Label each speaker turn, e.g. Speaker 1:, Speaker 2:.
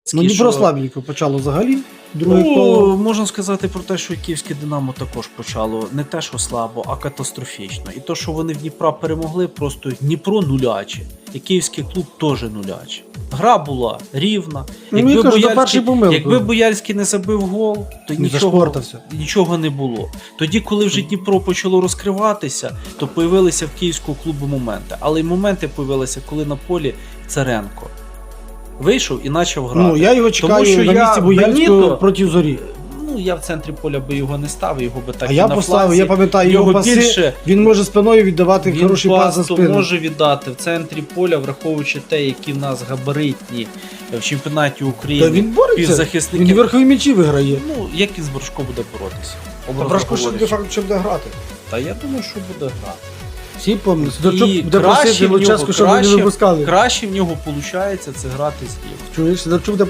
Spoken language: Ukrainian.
Speaker 1: Ну, Дніпро слабенько почало взагалі. Друге коло.
Speaker 2: Можна сказати про те, що і київське Динамо також почало не те, що слабо, а катастрофічно. І то, що вони в Дніпра перемогли, просто Дніпро нуляче. І київський клуб теж нуляче. Гра була рівна. Якби Боярський не забив гол, то нічого не було. Тоді, коли вже Дніпро почало розкриватися, то появилися в київського клубу моменти. Але й моменти появилися, коли на полі Царенко вийшов і почав грати.
Speaker 1: Ну, я його чекаю. Тому що на місці Боярського проти Зорі.
Speaker 2: Ну, я в центрі поля би його не ставив, його би так
Speaker 1: а
Speaker 2: і
Speaker 1: я
Speaker 2: на
Speaker 1: поставив,
Speaker 2: фланзі.
Speaker 1: Я пам'ятаю його паси, більше, він може спиною віддавати хороший пас за спину.
Speaker 2: Він може віддати в центрі поля, враховуючи те, які в нас габаритні в чемпіонаті України.
Speaker 1: Та він бореться, він верхові м'ячі виграє.
Speaker 2: Ну, як він з Брашко буде боротися?
Speaker 1: Та Брашко ще буде грати.
Speaker 2: Та я думаю, що буде грати.
Speaker 1: Всі пам'ятають. Сидорчук буде просити Луческу, щоб вони не випускали.
Speaker 2: Краще в нього виходить це грати з Дніпром.
Speaker 1: Чуєш, Сидорчук буде